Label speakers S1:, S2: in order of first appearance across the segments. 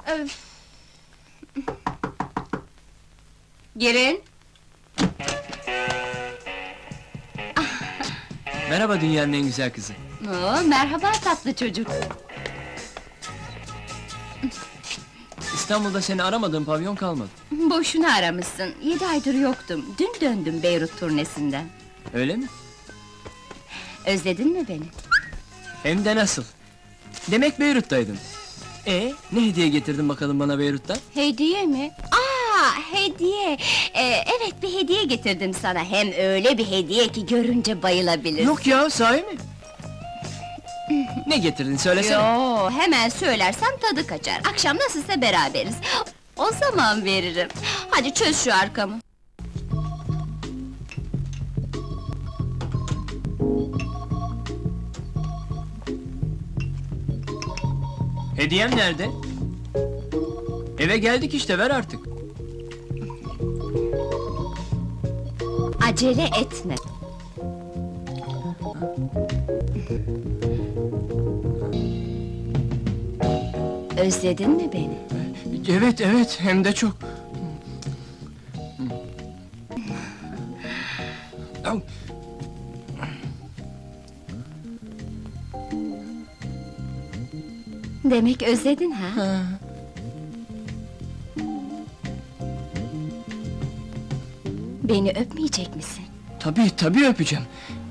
S1: Öf! Girin!
S2: Merhaba dünyanın en güzel kızı.
S1: Oo, merhaba tatlı çocuk!
S2: İstanbul'da seni aramadığım pavyon kalmadı.
S1: Boşuna aramışsın, 7 aydır yoktum. Dün döndüm Beyrut turnesinden.
S2: Öyle mi?
S1: Özledin mi beni?
S2: Hem de nasıl? Demek Beyrut'taydın. Ne hediye getirdin bakalım bana Beyrut'tan?
S1: Hediye mi? Hediye! Evet, bir hediye getirdim sana. Hem öyle bir hediye ki görünce bayılabilirsin.
S2: Yok ya, sahi mi? Ne getirdin söylesene.
S1: Yo, hemen söylersem tadı kaçar. Akşam nasılsa beraberiz. O zaman veririm. Hadi çöz şu arkamı.
S2: Hediyem nerede? Eve geldik işte, ver artık.
S1: Acele etme. Özledin mi beni?
S2: Evet, evet, hem de çok.
S1: Demek özledin ha? Beni öpmeyecek misin?
S2: Tabii öpeceğim.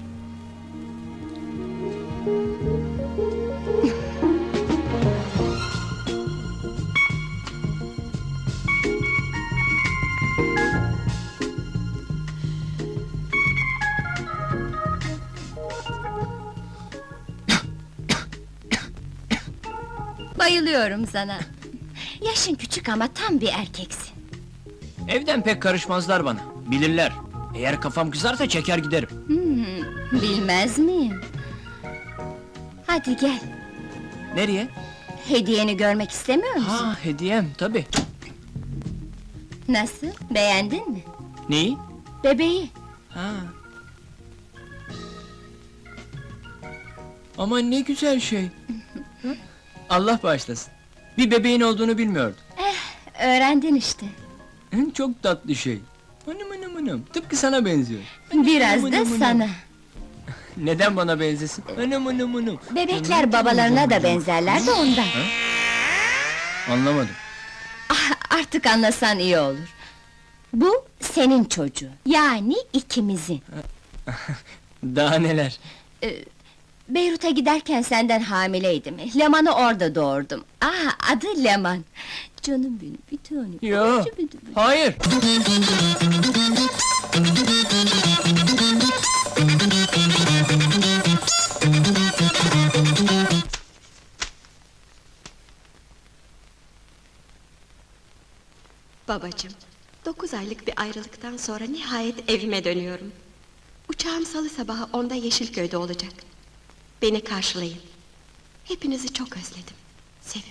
S1: Bayılıyorum sana. Yaşın küçük ama tam bir erkeksin.
S2: Evden pek karışmazlar bana, bilirler. Eğer kafam kızarsa çeker giderim.
S1: Bilmez miyim? Hadi gel,
S2: Nereye?
S1: hediyeni görmek istemiyor musun?
S2: Hediyem, tabii.
S1: Nasıl, beğendin mi?
S2: Neyi?
S1: Bebeği.
S2: Aman ne güzel şey. Allah bağışlasın. Bir bebeğin olduğunu bilmiyordum.
S1: Öğrendin işte.
S2: Çok tatlı şey. Anam, tıpkı sana benziyor.
S1: Biraz da sana.
S2: Neden bana benzesin? Anam.
S1: Bebekler babalarına da benzerler de ondan.
S2: Anlamadım.
S1: Artık anlasan iyi olur. Bu senin çocuğun, yani ikimizin.
S2: Daha neler?
S1: Beyrut'a giderken senden hamileydim. Leman'ı orada doğurdum. Adı Leman. Canım benim, bir tanem.
S2: Yo, hayır.
S3: Babacığım, 9 aylık bir ayrılıktan sonra nihayet evime dönüyorum. Uçağım salı sabahı 10'da Yeşilköy'de olacak. Beni karşılayın. Hepinizi çok özledim. Sevim.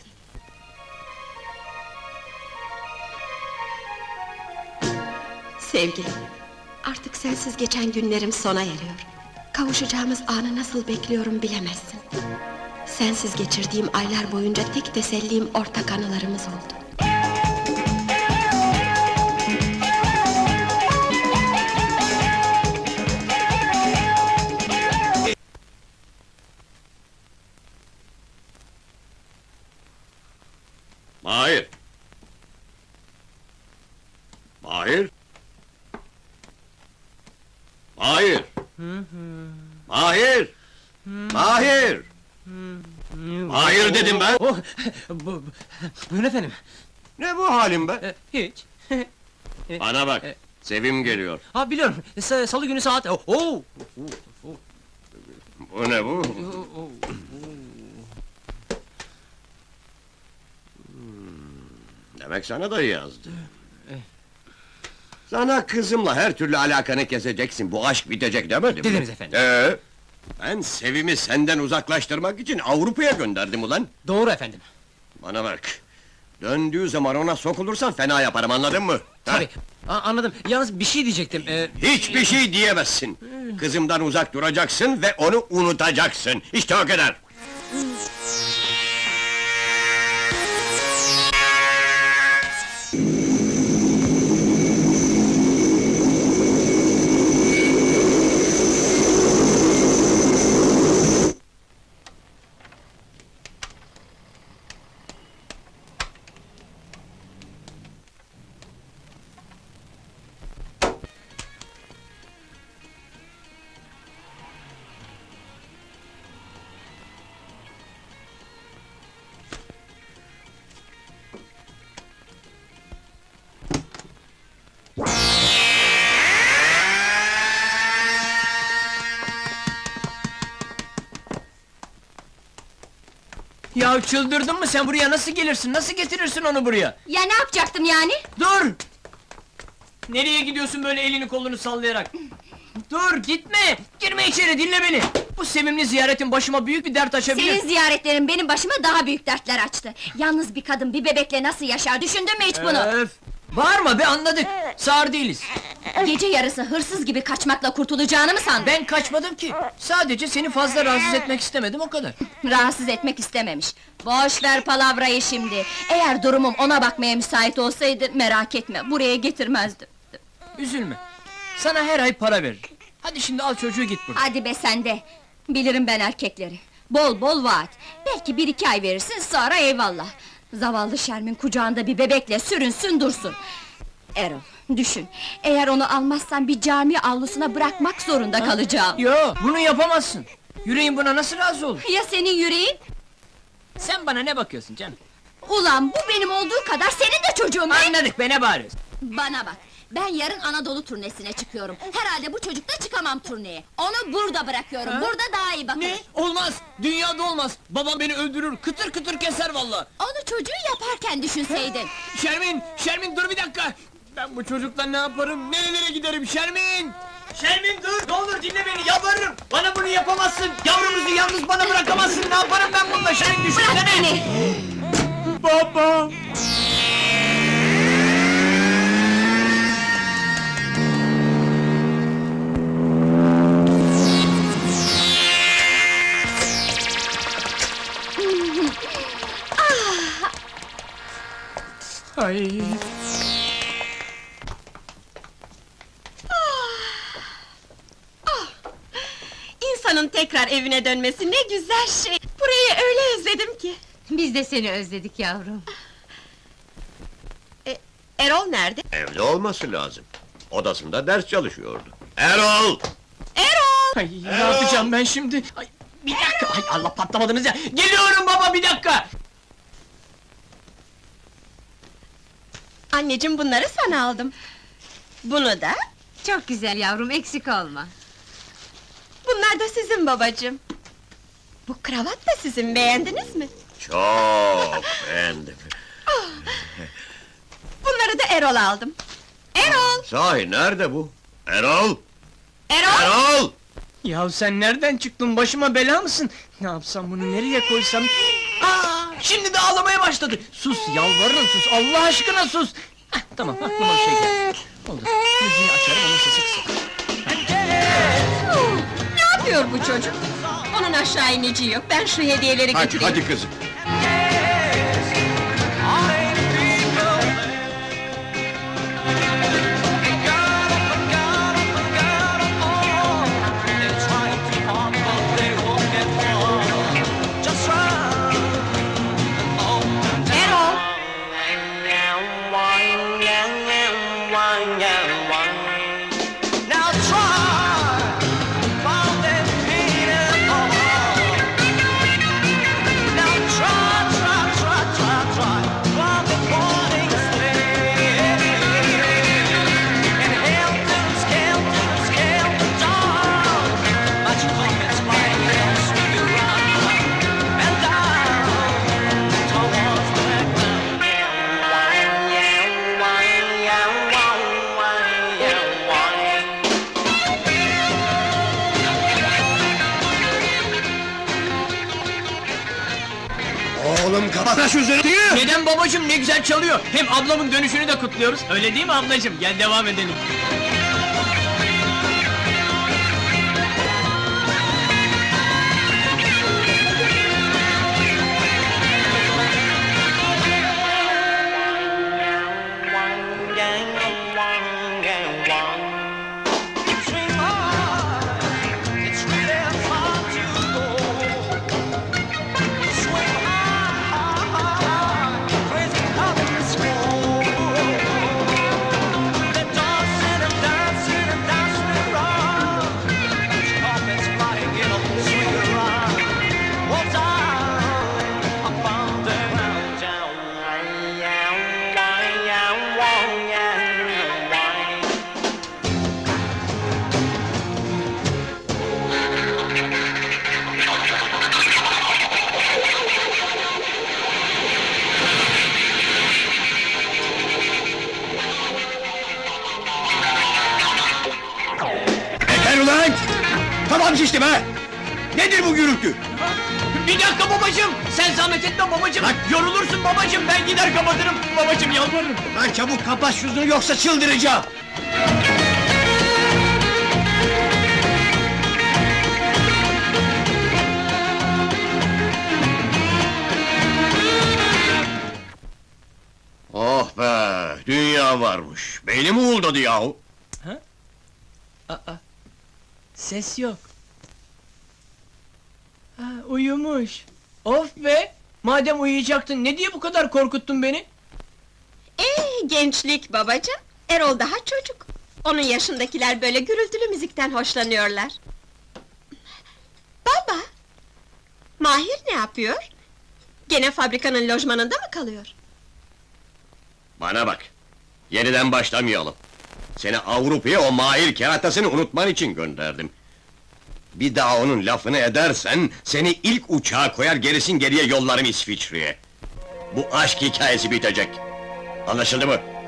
S3: Sevgilim, artık sensiz geçen günlerim sona eriyor. Kavuşacağımız anı nasıl bekliyorum bilemezsin. Sensiz geçirdiğim aylar boyunca tek tesellim ortak anılarımız oldu.
S4: Mahir! Mahir! Mahir! Mahir! Mahir! Mahir dedim ben!
S2: Buyurun efendim.
S4: Ne bu halin be?
S2: Hiç.
S4: Bana bak, Sevim geliyor.
S2: Biliyorum, salı günü saat...
S4: Bu ne bu? Demek sana da yazdı. Sana kızımla her türlü alakanı keseceksin, bu aşk bitecek demedim mi?
S2: Dediniz efendim.
S4: Ben Sevim'i senden uzaklaştırmak için Avrupa'ya gönderdim ulan!
S2: Doğru efendim.
S4: Bana bak! Döndüğü zaman ona sokulursan fena yaparım, anladın mı?
S2: Tabii, anladım. Yalnız bir şey diyecektim.
S4: Hiçbir şey diyemezsin! Kızımdan uzak duracaksın ve onu unutacaksın! İşte o kadar!
S2: Ya çıldırdın mı sen, buraya nasıl gelirsin, nasıl getirirsin onu buraya?
S1: Ya ne yapacaktım yani?
S2: Dur! Nereye gidiyorsun böyle elini kolunu sallayarak? Dur, gitme! Girme içeri, dinle beni! Bu sevimli ziyaretin başıma büyük bir dert açabilir.
S1: Senin ziyaretlerin benim başıma daha büyük dertler açtı. Yalnız bir kadın bir bebekle nasıl yaşar, düşündün mü hiç bunu?
S2: Öf! Bağırma be, anladık! Sağır değiliz!
S1: Gece yarısı hırsız gibi kaçmakla kurtulacağını mı sandın?
S2: Ben kaçmadım ki! Sadece seni fazla rahatsız etmek istemedim, o kadar!
S1: Rahatsız etmek istememiş. Boş ver palavrayı şimdi. Eğer durumum ona bakmaya müsait olsaydı, merak etme, buraya getirmezdim.
S2: Üzülme! Sana her ay para veririm. Hadi şimdi al çocuğu git buradan.
S1: Hadi be sen de! Bilirim ben erkekleri. Bol bol vaat. Belki 1-2 ay verirsin, sonra eyvallah. Zavallı Şermin kucağında bir bebekle sürünsün dursun. Erol, düşün. Eğer onu almazsan bir cami avlusuna bırakmak zorunda kalacağım.
S2: Yo, bunu yapamazsın! Yüreğin buna nasıl razı olur?
S1: Ya senin yüreğin?
S2: Sen bana ne bakıyorsun canım?
S1: Ulan bu benim olduğu kadar senin de çocuğun be!
S2: Anladık be, ne bağırıyorsun?
S1: Bana bak! Ben yarın Anadolu turnesine çıkıyorum. Herhalde bu çocukla çıkamam turneye. Onu burada bırakıyorum. Burada daha iyi bakılır.
S2: Ne? Olmaz! Dünyada olmaz! Babam beni öldürür, kıtır kıtır keser vallahi!
S1: Onu çocuğu yaparken düşünseydin.
S2: Şermin! Şermin dur bir dakika! Ben bu çocukla ne yaparım, nerelere giderim Şermin! Şermin dur, ne olur dinle beni, yalvarırım! Bana bunu yapamazsın, yavrumuzu yalnız bana bırakamazsın, ne yaparım ben bununla Şermin, düşünsene!
S1: Bırak beni!
S2: Baba! Ay!
S3: İnsanın tekrar evine dönmesi ne güzel şey! Burayı öyle özledim ki!
S1: Biz de seni özledik yavrum.
S3: Erol nerede?
S4: Evde olması lazım. Odasında ders çalışıyordu. Erol!
S3: Erol!
S2: Ay, ne yapacağım ben şimdi? Ay, bir dakika, ay Allah patlamadınız ya! Geliyorum baba, bir dakika!
S3: Anneciğim bunları sana aldım. Bunu da,
S5: Çok güzel yavrum, eksik olma.
S3: bunlar da sizin babacığım. Bu kravat da sizin, beğendiniz mi?
S4: Çok beğendim.
S3: Bunları da Erol aldım. Erol!
S4: Sahi nerede bu? Erol!
S3: Erol!
S4: Erol!
S2: Ya sen nereden çıktın, başıma bela mısın? Ne yapsam, bunu nereye koysam? Aa, şimdi de ağlamaya başladı! Sus, yalvarırım sus, Allah aşkına sus! Hah, tamam, aklıma bir şey geldi. Oldu, müziği açarım, onun sesi kısık.
S3: Ne yapıyor bu çocuk? Onun aşağı ineceği yok, ben şu hediyeleri
S4: Hadi,
S3: getireyim.
S4: hadi kızım.
S3: Erol!
S6: Now try, while they're beating on. Now try, while they're pointing straight. And helter down, but you come spine and swing around and down towards the ground.
S4: Oğlum kapat şu zırhıyı!
S2: Neden babacığım, ne güzel çalıyor! Hem ablamın dönüşünü de kutluyoruz, öyle değil mi ablacığım? Gel devam edelim.
S6: Swing hard, it's really hard to go. Swing hard, crazy how it's go. The dogs in the
S4: kafam şişti be! Nedir bu gürültü?
S2: Bir dakika babacığım! Sen zahmet etme babacığım! Yorulursun babacığım, ben gider kapatırım! Babacığım yalvarırım!
S4: Lan çabuk kapat şunu yoksa çıldıracağım! Oh be! Dünya varmış! Beynim uğuldadı yahu!
S2: Ses yok. Ha, uyumuş. Of be! Madem uyuyacaktın, ne diye bu kadar korkuttun beni?
S3: Gençlik babacığım. Erol daha çocuk. Onun yaşındakiler böyle gürültülü müzikten hoşlanıyorlar. Baba! Mahir ne yapıyor? Gene fabrikanın lojmanında mı kalıyor?
S4: Bana bak! Yeniden başlamayalım. Seni Avrupa'ya o Mahir keratasını unutman için gönderdim. Bir daha onun lafını edersen, seni ilk uçağa koyar gerisin geriye yollarım İsviçre'ye. Bu aşk hikayesi bitecek. Anlaşıldı mı?